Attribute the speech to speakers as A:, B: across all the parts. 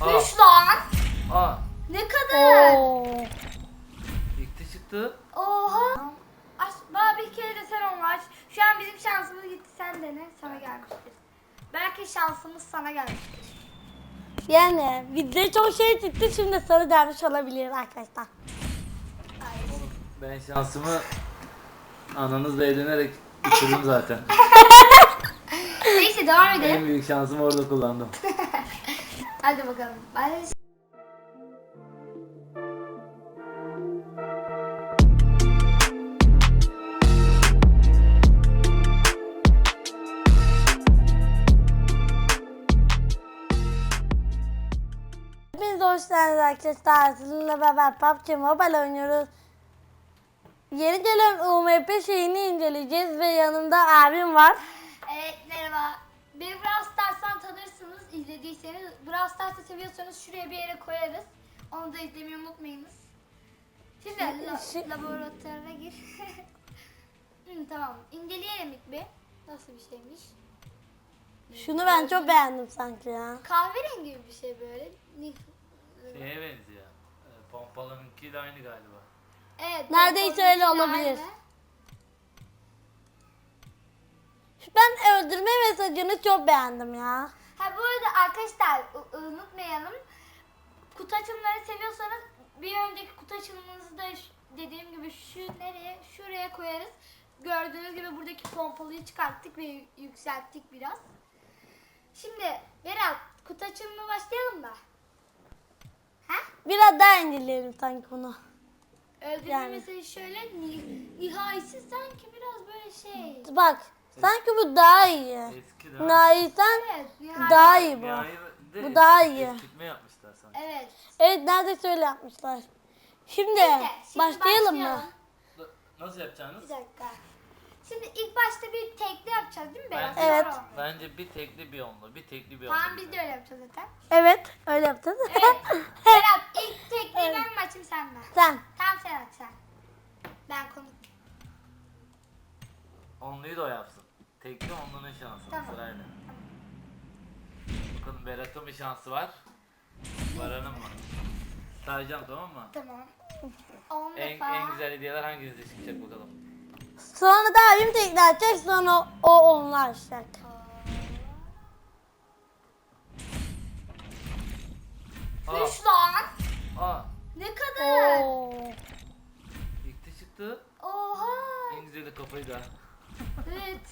A: Düş lan.
B: Aa.
A: Ne kadar?
B: İlk çıktı.
A: Oha. Aç, bana bir kere de sen onu aç. Şu an bizim şansımız gitti, sen dene, sana gelmiştir. Belki şansımız sana gelmiştir.
C: Yani bizde çok şey çıktı, şimdi sarı gelmiş olabilir arkadaşlar.
B: Ben şansımı ananızla evlenerek bitirdim zaten.
A: Neyse devam
B: En
A: edelim.
B: büyük şansımı orada kullandım.
A: Hadi bakalım.
C: Hepiniz hoş geldiniz arkadaşlar. Sizinle beraber PUBG Mobile oynuyoruz. Yeni gelen UMP şeyini inceleyeceğiz ve yanımda abim var.
A: Evet, merhaba. Beni Brawl Stars'tan tanırsınız, izlediyseniz. Brawl Stars'ı seviyorsanız şuraya bir yere koyarız. Onu da izlemeyi unutmayınız. Şimdi laboratuvara gir. Tamam, inceleyelim ilk bir. Nasıl bir şeymiş?
C: Şunu ben çok beğendim sanki ya.
A: Kahverengi gibi bir şey böyle.
B: Şeye benziyor. Pompalınınki de aynı galiba.
A: Evet.
C: Neredeyse öyle olabilir. Ben öldürme mesajını çok beğendim ya.
A: Ha, bu arada arkadaşlar unutmayalım. Kutu açılımları seviyorsanız bir önceki kutu açılımınızı da dediğim gibi şuraya koyarız. Gördüğünüz gibi buradaki pompalıyı çıkarttık ve yükselttik biraz. Şimdi Berat, kutu açılımına başlayalım da. Ha?
C: Biraz daha inceleyelim sanki bunu.
A: Öldürme
C: Yani.
A: mesajı şöyle nihayesi sanki biraz böyle şey.
C: Bak sanki bu daha iyi.
B: Eski değil mi?
C: Nihayeten
A: Evet, nihayet.
C: daha iyi bu. Bu daha iyi.
B: Eskitme yapmışlar sanki.
A: Evet.
C: Evet, neredeyse öyle yapmışlar. Şimdi
A: Neyse, şimdi
C: başlayalım mı?
B: Nasıl yapacaksınız?
A: Bir dakika. Şimdi ilk başta bir tekli yapacağız değil mi Berat?
C: Evet.
A: Sonra.
B: Bence bir tekli bir onlu, bir tekli bir onlu.
A: Tamam, biz de öyle yapacağız zaten.
C: Evet, öyle yapacağız.
A: Evet. Berat, ilk tekliyi ben mi açayım, sen mi?
C: Sen.
A: Tamam, sen aç sen. Ben konuk.
B: Onluyu da o yapsın. Tekli onlunun şansı
A: Tamam.
B: sırayla. Bakalım Berat'ın bir şansı var. Baran'ın mı? Sayacağım, tamam mı?
A: Tamam. 10
B: En
A: defa.
B: güzel hediyeler hanginize çıkacak bakalım.
C: Sonra da abim tekrar açacak, sonra o onlar açacak.
B: Aa,
A: Düş lan.
B: aa,
A: Ne kadar?
C: Oo.
B: ilk çıktı.
A: Oha.
B: En güzeli kafayı da.
A: Evet.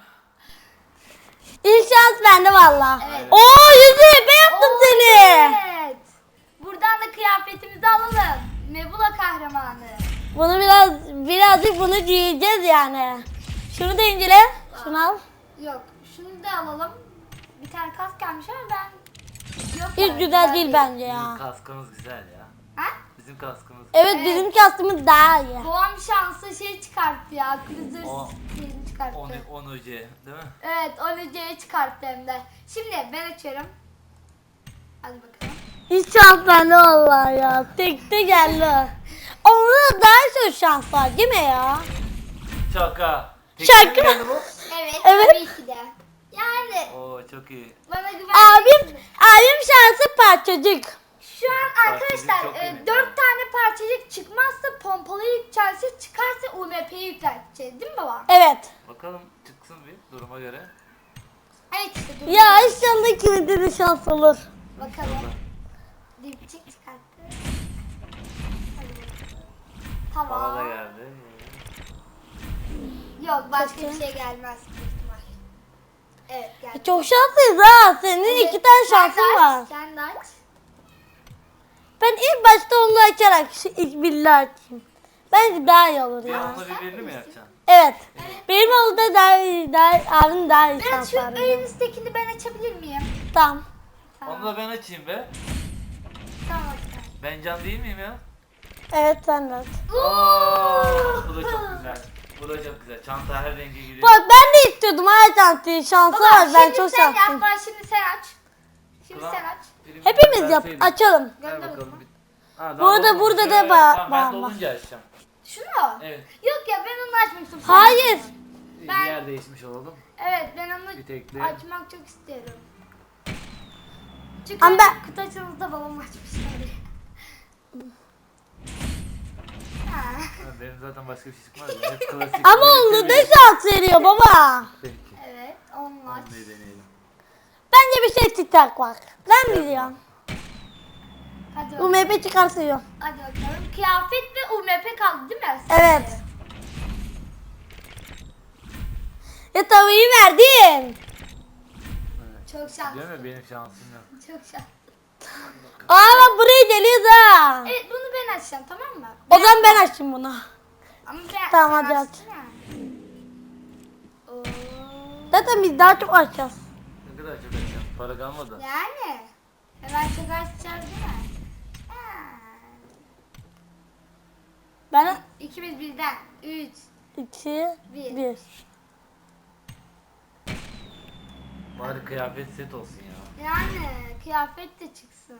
C: İlk şans bende valla.
A: Evet.
C: Oo, yüzü ben yaptım seni.
A: Evet. Buradan da kıyafetimizi alalım. Nebula kahramanı.
C: Bunu birazcık bunu giyeceğiz yani. Şunu da incele. Şunu al.
A: Yok, şunu da alalım. Bir tane kask gelmiş ama ben... Yok
C: Hiç
A: yani,
C: güzel değil bence
B: Bizim
C: ya.
B: kaskımız güzel ya.
A: Ha?
B: Bizim kaskımız.
C: Evet,
A: Evet.
C: bizim kastımız daha iyi.
A: Doğan şansı şey çıkarttı ya. Cruiser
B: O-
A: şeyini çıkarttı.
B: 10 UC değil mi?
A: Evet, onu C'ye çıkarttı hem de. Şimdi ben açıyorum. Hadi bakalım.
C: Hiç şans bende valla ya. Tekte geldi. Onda daha çok şans var değil mi ya?
B: Şaka.
C: Şaka.
B: Tekli mi geldi bu?
A: Evet,
C: Evet.
A: tabii ki de. Yani
B: Oo, çok iyi.
A: bana güven.
C: Abim şansı parçacık.
A: Şu an
B: Parçacık
A: arkadaşlar
B: çok iyi.
A: 4 tane parçacık çıkmazsa pompalıyı yükselteceğiz, çıkarsa UMP'yi yükselteceğiz değil mi baba?
C: Evet.
B: Bakalım çıksın bir duruma göre.
A: Evet işte dur.
C: Ya inşallah ikimizde de şans olur.
A: Bakalım. Dipçik çıkarttı. Hadi bakalım.
B: Hava da
A: Tamam.
B: geldi.
A: Yok, başka
C: Çok
A: bir şey gelmez büyük ihtimal. Evet, geldi.
C: Çok şanslıyız ha. Senin iki tane şansın var.
A: Sen de aç.
C: Ben ilk başta onu açarak şu ilk billahi açayım. Bence daha iyi olur
B: Bir
C: ya.
B: onunla birbirini mi yapacaksın?
C: Evet. Benim oldu daha iyi, abim daha iyi
A: Ben
C: şans
A: şu
C: var.
A: en üsttekini ben açabilir miyim?
C: Tamam.
B: Onu da ben açayım be.
A: Tamam, aç.
B: Ben can değil miyim ya?
C: Evet, sen de aç.
B: Oo, bu da çok güzel. Bu da çok güzel. Çanta her renge giriyor.
C: Bak ben de istiyordum her şansı. Şansı
A: Baba,
C: var. Ben
A: şimdi
C: çok
A: sen
C: şanslıyım.
A: yap, bak şimdi sen aç. Şimdi
B: Ulan,
A: sen aç.
B: birimiz
C: Hepimiz yap.
B: verseydin.
C: Açalım.
B: Ver
A: Gönder o
B: bakalım.
A: zaman.
B: Ha,
C: Bu arada
B: daha
C: burada
B: dolmamış.
C: da
B: Evet, tamam, ben
C: var.
B: dolunca açacağım.
A: Şunu mu?
B: Evet.
A: Yok ya, ben onu açmak istiyorum.
C: Hayır.
A: Ben-
B: Bir yer değişmiş olalım.
A: Evet, ben onu
B: Bir tekli.
A: açmak çok istiyorum. Çünkü
C: Ama ben-
A: kutu açılımında babam açmışlar. Ha.
B: Ha, benim zaten başka bir şey çıkmaz ya. Hep klasik.
C: Ama onda da şans veriyor baba.
B: Peki.
A: Evet, onlar.
B: Onu deneyelim.
C: Bence bir şey çıkacak bak. Ben biliyorum.
A: Hadi bakalım.
C: UMP çıkartıyor.
A: Hadi bakalım. Kıyafet ve UMP kaldı değil mi?
C: Evet. Ya tavayı verdin.
B: Evet.
A: Çok şanslı.
B: Değil mi? Benim şansım yok.
A: Çok şanslı.
C: Aa bak buraya geliyoruz ha.
A: Evet, bunu ben açacağım, tamam mı?
C: O zaman ben açayım bunu.
A: Ama ben
C: Tamam,
A: sen
C: hadi
A: açtın ya. Oo.
C: Zaten biz daha çok açacağız.
B: Ne kadar çok açacağım. Para kalmadı.
A: Yani. Hemen çok açacağız değil mi? Ha.
C: Ben
A: İkimiz birden. 3.
C: 2,
A: Bir.
C: 1.
B: Bari kıyafet set olsun ya.
A: Yani kıyafet de çıksın.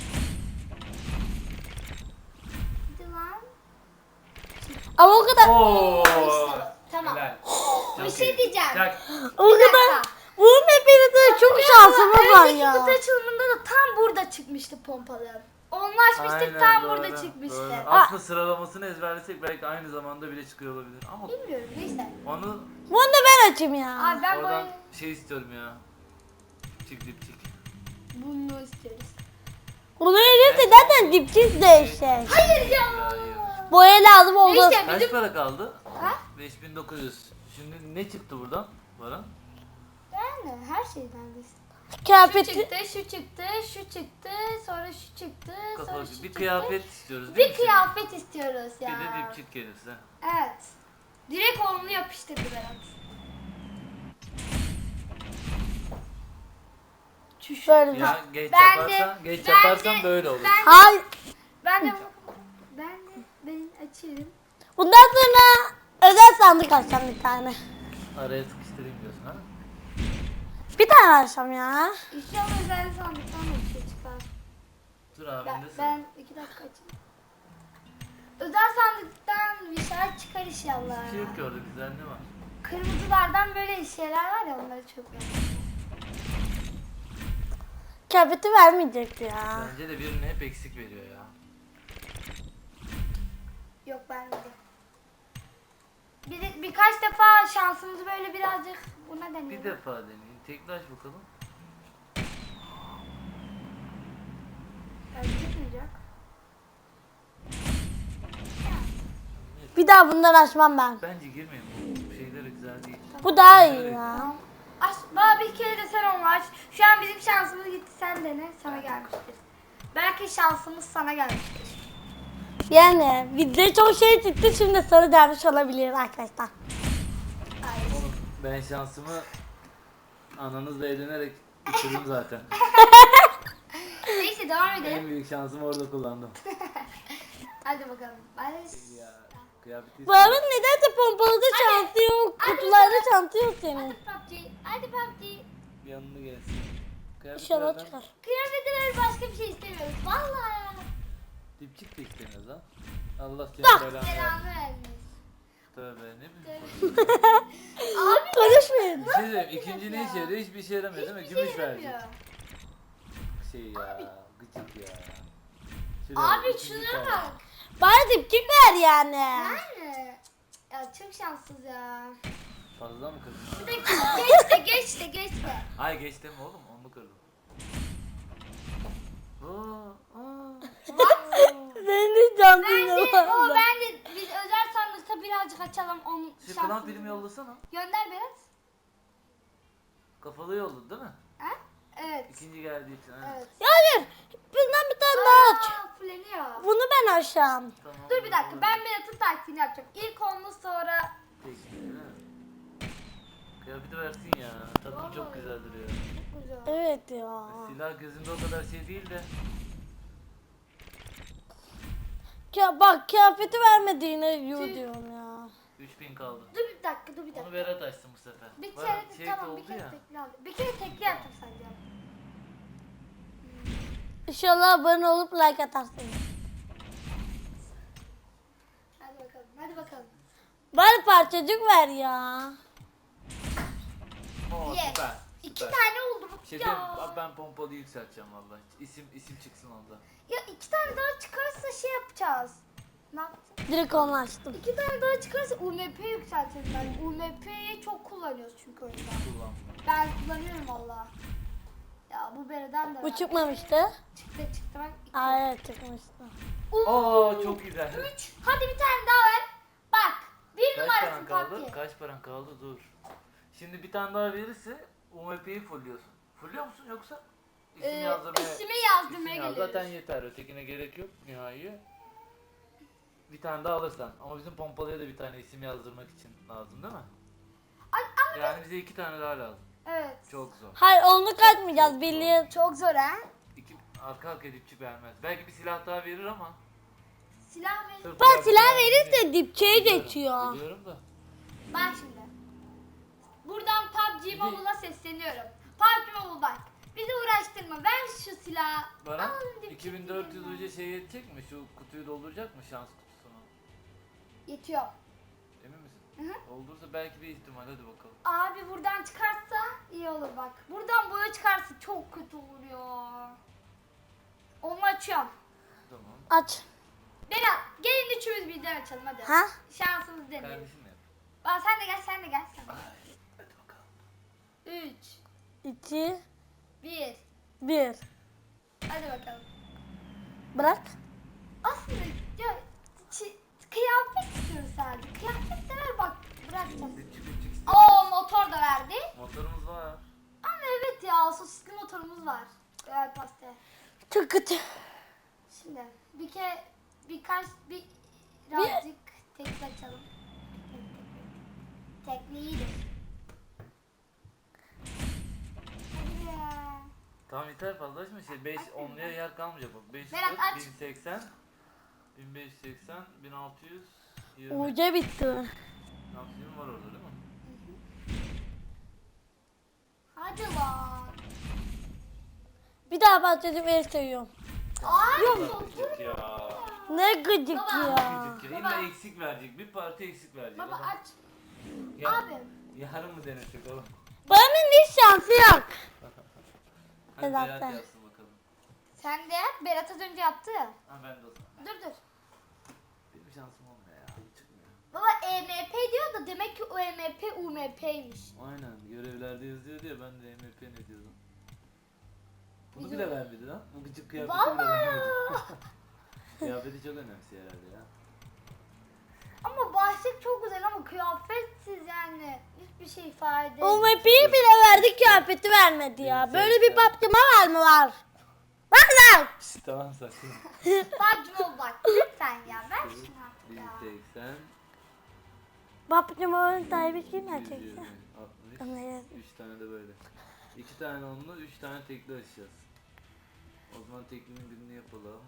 A: Hadi lan.
C: Ama o kadar
B: Oo.
A: İşte, tamam.
B: Helal.
A: Bir
B: Çok
A: şey
B: iyi.
A: diyeceğim.
B: Çak.
C: o
A: Bir
C: kadar
A: dakika.
C: bunun hepinizde çok şansımız var
A: Önceki
C: ya.
A: kutu açılımında da tam burada çıkmıştı pompalı. Onu açmıştık,
B: Aynen,
A: tam
B: doğru,
A: burada çıkmıştı.
B: doğru.
A: Aa,
B: Aslında sıralamasını ezberlesek belki aynı zamanda bile çıkıyor olabilir. Ama
A: bilmiyorum, neyse.
B: onu
C: Bunu da ben açayım ya.
A: Abi ben
B: oradan
A: böyle
B: şey istiyorum ya. Çık dipçik.
A: bunu istiyoruz.
C: Bunu verirse zaten dipçiz değişecek.
A: Hayır ya.
B: Hayır.
C: Boya lazım oldu.
A: Neyse
B: Kaç
A: bizim...
B: para kaldı?
A: Ha?
B: 5900. Şimdi ne çıktı buradan? Baran?
A: Yani her şeyden biz. Şu
C: Kıyafeti
A: çıktı, şu çıktı, şu çıktı, sonra şu çıktı, sonra
B: Kafalı
A: şu
B: bir
A: çıktı.
B: kıyafet istiyoruz değil
A: Bir
B: mi?
A: kıyafet istiyoruz
B: şimdi?
A: ya.
B: Bir de dipçik gelirse.
A: Evet. Direkt onlu yapıştırdı Berat. Çüş.
C: böyle.
B: Ya geç
A: Ben
B: yaparsan,
A: de-
B: geç
A: ben
B: yaparsan
A: de-
B: böyle olur.
C: Hayır.
A: Ben açayım.
C: Bundan sonra özel sandık açacağım bir tane.
B: Araya sıkıştırayım diyorsun ha?
C: Bir tane açacağım ya.
A: İnşallah özel sandıktan da bir şey çıkar.
B: Dur abinde sıra.
A: Ben 2 dakika açayım. Özel sandıktan bir şeyler çıkar inşallah.
B: Bir şey yok ki orada, güzel ne var?
A: Kırmızılardan böyle şeyler var ya, onları çok beğendim.
C: Kıyafeti vermeyecek ya.
B: Bence de birini hep eksik veriyor ya.
A: Yok, ben de. Birkaç defa şansımızı böyle birazcık buna deneyelim.
B: Bir defa deneyin. Teklaş bakalım.
A: Belki çıkmayacak.
C: Bir daha bundan açmam ben.
B: Bence girmeyin. Bu şeyleri güzel değil.
C: Bu daha iyi ya.
A: Tamam. Aç, bana bir kere de sen onu aç. Şu an bizim şansımız gitti, sen dene, sana gelmiştir. Belki şansımız sana gelmiştir.
C: Yani bizde çok şey çıktı, şimdi sarı gelmiş olabilir arkadaşlar.
A: Ay.
B: Ben şansımı ananızla evlenerek bitirdim zaten.
A: Neyse, devam
B: En
A: edelim.
B: büyük şansımı orada kullandım.
A: Hadi bakalım.
B: Ya kıyafeti
C: Bu arada nedense pompalıda şansı yok, kutularda şansı yok senin.
A: Hadi PUBG. Hadi PUBG.
B: bir yanına gelsin.
C: İnşallah
B: Kıyafetlerden
C: çıkar.
A: Kıyafetler, başka bir şey istemiyoruz. Vallahi.
B: dipçik de istemiyoruz ha. Allah
C: Ah,
B: seni belanı versin.
A: Selamı vermiş.
B: Tövbe ne bileyim.
A: Abi
C: Konuşmayın.
B: Bir şey diyeyim, ikinci ne işe yarıyor? Hiçbir işe yaramıyor değil mi?
A: hiçbir şey
B: Gümüş verecek.
A: yaramıyor.
B: Şey ya, gıcık ya. Şuraya
A: Abi
B: ikinci
A: şuna
B: kaldı.
A: bak.
C: Bari dipçik ver yani.
A: Yani. Ya çok şanssız ya.
B: Fazla mı kırdın?
A: Bir de geç de.
B: Ay geç deme oğlum, onu kırdım. Oo.
C: Senin de can
A: Bence biz özel sandıkta birazcık açalım onun
B: Şu klan
A: şansını.
B: filmi yollasana.
A: Gönder Berat.
B: Kafalı yolladı değil mi?
A: Ha? Evet.
B: İkinci geldiği için. Ha.
A: Evet.
C: Hayır. Bundan bir tane daha aç.
A: Fulleniyor.
C: Bunu ben açacağım.
B: Tamam.
A: Dur bir dakika, ben Berat'ın taktiğini yapacağım. İlk onlu, sonra
B: Peki, değil mi? Kıyafeti versin ya. Tatlım çok güzel duruyor.
A: çok güzel.
C: Evet ya.
B: Silah gözünde o kadar şey değil de.
C: Bak kıyafeti vermediğine yu diyorum ya.
B: 3000 kaldı.
A: Dur bir dakika.
B: Onu Berat açsın bu sefer.
A: Bir
B: Var,
A: kere
B: şey
A: tamam,
B: oldu
A: bir kere
B: ya.
A: tekli aldım. Bir kere tekli yaptım sadece.
C: İnşallah abone olup like atarsınız.
A: Hadi bakalım.
C: Bari parçacık ver ya.
B: Oo
A: Yes.
B: süper.
A: 2
B: süper.
A: tane oldu.
B: Şey
A: Ya.
B: diyeyim, ben pompalı yükselteceğim vallahi. İsim çıksın onda.
A: Ya 2 tane daha çıkarsa şey yapacağız. Ne yapacağız?
C: Direkt onu açtım.
A: 2 tane daha çıkarsa UMP yükselteceğiz ben. UMP'yi çok kullanıyoruz çünkü oyunda.
B: Kullan.
A: Ben kullanıyorum valla. Ya bu bereden de
C: Bu
A: var.
C: çıkmamıştı.
A: Çıktı bak.
C: Aa, evet çıkmıştı.
B: Oo çok güzel.
A: 3. Hadi bir tane daha ver. Bak. Bir
B: Kaç
A: numarasın
B: paran kaldı?
A: PUBG.
B: Kaç paran kaldı? Dur. Şimdi bir tane daha verirse UMP'yi fulluyorsun. Fulluyor musun yoksa? İsim yazdırmaya.
A: İsmi yazdırmaya
B: İsim yaz.
A: geliyoruz.
B: Zaten yeter. Ötekine gerek yok nihai. Bir tane daha alırsan. Ama bizim pompalıya da bir tane isim yazdırmak için lazım değil mi?
A: Ama
B: Yani bize 2 tane daha lazım.
A: evet.
B: Çok zor.
C: Hayır onu katmayacağız birliğe.
A: Çok zor ha.
B: Arka arkaya dipçik vermez. Belki bir silah daha verir ama.
A: Silah verin.
B: Sırf
C: Ben
B: biraz
C: silah
B: daha-
C: verirse dipçeyi
B: Biliyorum,
C: geçiyor.
B: Biliyorum da.
A: Bak şimdi. Buradan PUBG Mobile'a sesleniyorum. PUBG Mobile bak. Bizi uğraştırma. Ver şu silahı.
B: Bana
A: Al dipçik
B: 2400
A: yerine.
B: önce şey yetecek mi? Şu kutuyu dolduracak mı şans kutusunu?
A: Yetiyor.
B: Emin misin?
A: Hı hı.
B: Doldursa belki bir ihtimal, hadi bakalım.
A: Abi buradan çıkarsa iyi olur bak. Buradan boya çıkarsa çok kötü olur ya. Onu açıyorum.
B: Tamam.
C: Aç.
A: Berat gelin üçümüz birden açalım hadi.
C: Ha?
A: Şansımız deneyelim.
B: Kardeşim yap.
A: Aa, sen de gel sen de gel.
B: Hadi bakalım.
A: 3,
C: 2,
A: 1.
C: 1.
A: Hadi bakalım.
C: Bırak.
A: Aslında ya kıyafet istiyoruz sadece. Kıyafet de ver bak bırakacağım.
B: Dipçik istiyoruz.
A: Oo motor da verdi.
B: Motorumuz var.
A: Ama evet ya sosisli motorumuz var. Evet pasta.
C: Çok kötü.
A: Şimdi birazcık tekli açalım. Tekli iyidir. Hadi ya.
B: Tamam yeter, fazla açma şey. 5 onluya yer kalmayacak bak. 540,
A: Berat, aç.
B: 1080, 1580, 1620.
C: Uca bitti.
B: 1620 var orada değil mi?
A: Hadi lan.
C: Bir daha bahsedeyim el seviyorum.
A: Ay
B: Gıcık ya.
C: Ne gıcık
A: Baba.
C: ya.
B: Gıcık ya.
A: Baba.
B: İlla eksik verecek. Bir parti eksik verecek.
A: baba
B: Adam-
A: aç.
B: Ya-
A: Abi.
B: Yarın mı denesek oğlum?
C: Benim hiç şansı yok.
B: Hadi
C: Evet,
B: Berat
C: ben.
B: yapsın bakalım.
A: Sen de yap. Berat az önce yaptı.
B: Ha ben de o zaman.
A: Dur.
B: Benim şansım olmuyor ya. Çıkmıyor.
A: Baba EMP diyor da demek ki o EMP UMP'ymiş.
B: Aynen. Görevlerde yazıyor diye ben de MP ne diyordum. Bunu
A: Bizim-
B: bile vermedi lan. Bu gıcık kıyafeti bile
A: Vallahi
B: vermedi.
A: ya.
B: Kıyafeti çok önemsiyor herhalde ya.
A: Ama başlık çok güzel ama kıyafetsiz yani. Hiçbir şey ifade
C: O
A: etmiyor.
C: mepiyi bile verdi kıyafeti vermedi ya. Böyle bir papçama var mı var? Bak lan.
B: Şşt, tamam sakın.
A: Bak Cumhur bak lütfen ya ver şunu artık ya.
B: 1080,
C: Papçamanın sahibi kim
B: 120,
C: gerçekten?
B: 60,
C: Evet.
B: 3 tane de böyle. 2 tane onlu, 3 tane tekli açacağız. O zaman teklinin birini yapalım.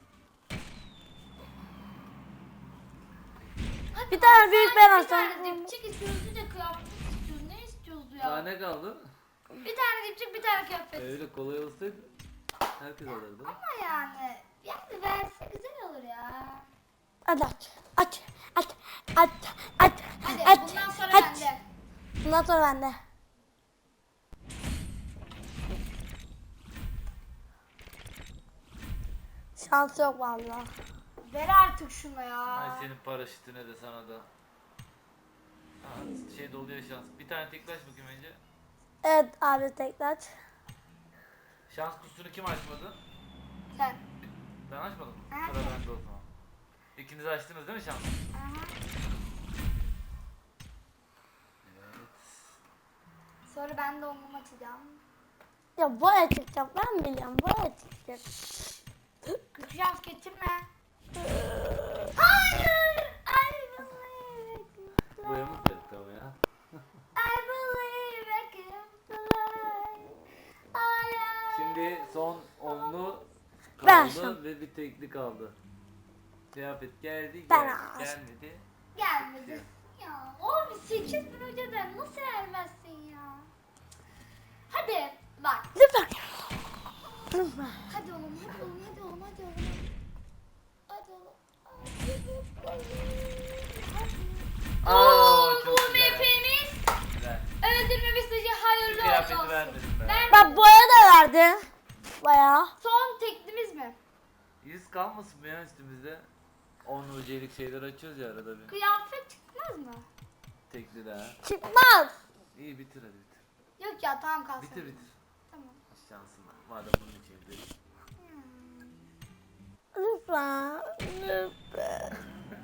C: Bir tane büyük ben
A: Bir
C: alsam.
A: tane dipçik istiyoruz bir de kıyafet istiyoruz. Ne istiyoruz
B: Daha
A: ya?
B: ne kaldı?
A: Bir tane dipçik bir tane kıyafet.
B: Öyle kolay olsaydı herkes alırdı.
A: Ama yani verse güzel olur ya.
C: Hadi aç. Aç. Aç. Aç. Aç.
A: Hadi
C: Aç.
A: bundan sonra
C: Aç.
A: bende.
C: Bundan sonra bende. Şans yok valla.
A: Ver artık şunu ya.
B: Ay senin paraşütüne de sana da. Ha, şey doluyor şans. Bir tane tekli aç bakayım önce.
C: Evet abi tekrar.
B: Şans kutusunu kim açmadı?
A: Sen.
B: Ben açmadım mı?
A: Ha.
B: Sıra bende o zaman. İkiniz açtınız değil mi şans?
A: Aha.
B: Evet.
A: Sonra ben de onu açacağım.
C: Ya boya çıkacak ben biliyorum boya çıkacak.
A: Kötü şans getirme. Hayır. I believe I can
B: Boyamız
A: fly.
B: verdik ama ya.
A: I believe I can fly. I am-
B: Şimdi son onlu
C: Ben
B: kaldı
C: açtım.
B: ve bir tekli kaldı. Kıyafet geldi,
C: Ben
B: geldi,
C: açtım.
B: gelmedi.
A: Gelmedi. Ya abi 8000 önceden nasıl vermezsin ya? Hadi bak.
C: Lütfen. Lütfen.
A: Hadi oğlum, hadi oğlum, hadi oğlum, hadi oğlum. Hadi oğlum. Hadi.
B: Aa,
A: Oo,
B: çok
A: bu
B: güzel.
A: MP'miz
B: Güzel.
A: öldürme mesajı hayırlı
B: Kıyafeti
A: olsun.
B: vermedim ben.
A: Ver
C: Bak boya da verdi. Bayağı.
A: Son teklimiz mi?
B: Yüz kalmasın mı ya üstümüzde? 10 UC'lik şeyler açıyoruz ya arada bir.
A: Kıyafet çıkmaz mı?
B: Tekli de ha.
C: Çıkmaz.
B: İyi bitir hadi bitir.
A: Yok ya tamam kalsın.
B: Bitir bitir.
A: Tamam.
B: Şansın var. Madem bunun için dedim.
C: Lütfen. Lütfen.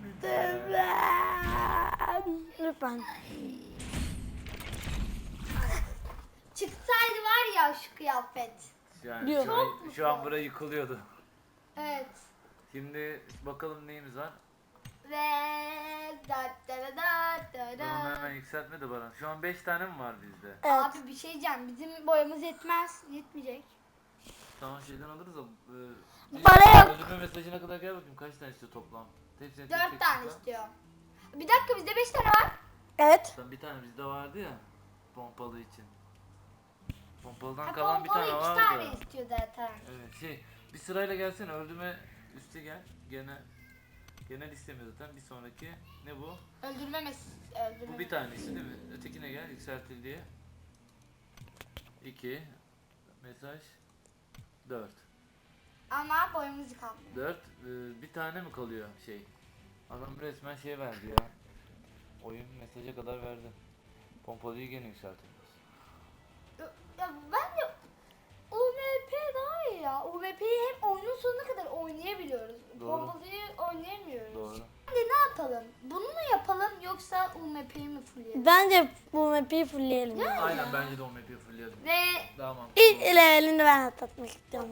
C: Lütfen. Lütfen.
A: Çıksaydı var ya şu kıyafet.
B: Yani
C: Yok.
B: şu an buraya yıkılıyordu.
A: Evet.
B: Şimdi bakalım neyimiz var.
A: Ve da da da da da
B: Dur onu hemen
A: da.
B: yükseltme de bana. Şu an 5 tane mi var bizde?
C: Evet.
A: Abi bir şey diyeceğim. Bizim boyamız yetmez. Yetmeyecek.
B: Tamam şeyden alırız da.
C: Para yok.
B: Ödeme mesajına kadar gel bakayım kaç tane istiyor toplam. Hepsine
A: 4 tane istiyorum. Bir dakika bizde 5 tane var.
C: Evet.
B: Sen bir tane bizde vardı ya. Pompalı için. Pompalıdan
A: Ha,
B: kalan bir
A: pompalı
B: tane
A: 2
B: vardı.
A: tane istiyor zaten.
B: Evet bir sırayla gelsene öldürme üste gel. Genel istemiyor zaten. Bir sonraki ne bu?
A: Öldürme
B: Bu bir tanesi değil mi? Ötekine gel yükseltildiği. 2 mesaj 4.
A: Ama boyamız kaldı.
B: 4 bir tane mi kalıyor şey? Adam resmen şey verdi ya. Oyun mesaja kadar verdi. Pompalıyı gene yükseltilmiş.
A: Ya bence UMP daha iyi ya. UMP'yi hem oyunun sonuna kadar oynayabiliyoruz.
B: Doğru.
A: Pompalıyı oynayamıyoruz.
B: Doğru.
A: Şimdi ne yapalım? Bunu mu yapalım yoksa UMP'yi mi fullleyelim?
C: Bence bu map'i fullleyelim.
B: Aynen bence de o map'i fullleyelim.
A: Ve
B: Daha mantıklı.
C: İlk levelini ben atlatmak istiyorum.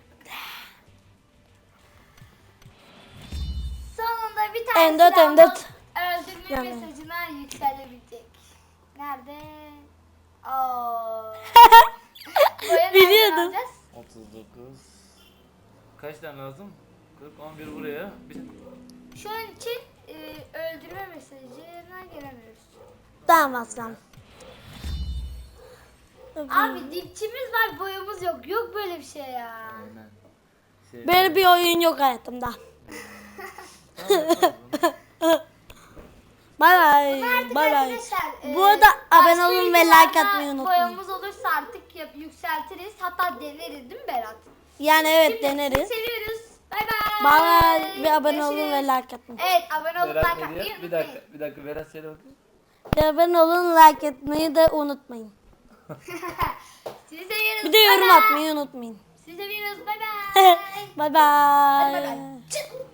A: sonunda bir tane
C: M4
A: silahımız
C: M4.
A: öldürme
C: Yani.
A: mesajına yükselebilecek. Nerede? Aa. Boya nereden
C: Biliyordum.
A: alacağız?
B: 39. Kaç tane lazım? 40, 11 buraya.
A: Şu an için öldürme mesajına gelemiyoruz.
C: Tamam aslan.
A: Abi dipçimiz var, boyamız yok. Yok böyle bir şey ya.
B: Aynen.
C: Böyle bir oyun yok hayatımda.
B: Tamam, yapalım.
C: Bay bay.
A: Artık
C: Bay bay.
A: arkadaşlar,
C: Bu arada abone
A: başka
C: olun ve like
A: videolarda
C: atmayı unutmayın.
A: Boyamız olursa artık yükseltiriz. Hatta deneriz değil mi Berat?
C: Yani evet
A: Şimdi
C: deneriz.
A: sizi seviyoruz. Bay bay.
C: Bay bay ve abone olun ve
A: Görüşürüz.
C: like atmayı.
A: Evet, abone olup
B: Berat
A: like
B: ne
A: atmayı
B: diyor? Bir
A: unutmayın.
B: dakika, bir dakika. Berat söyle bakayım.
C: Ve abone olun like atmayı da unutmayın.
A: Sizi seviyoruz.
C: Bir de
A: Bay
C: yorum
A: bay.
C: atmayı unutmayın.
A: Sizi seviyoruz. Bay bay.
C: Bay bay.
A: Hadi bay bay. Çık.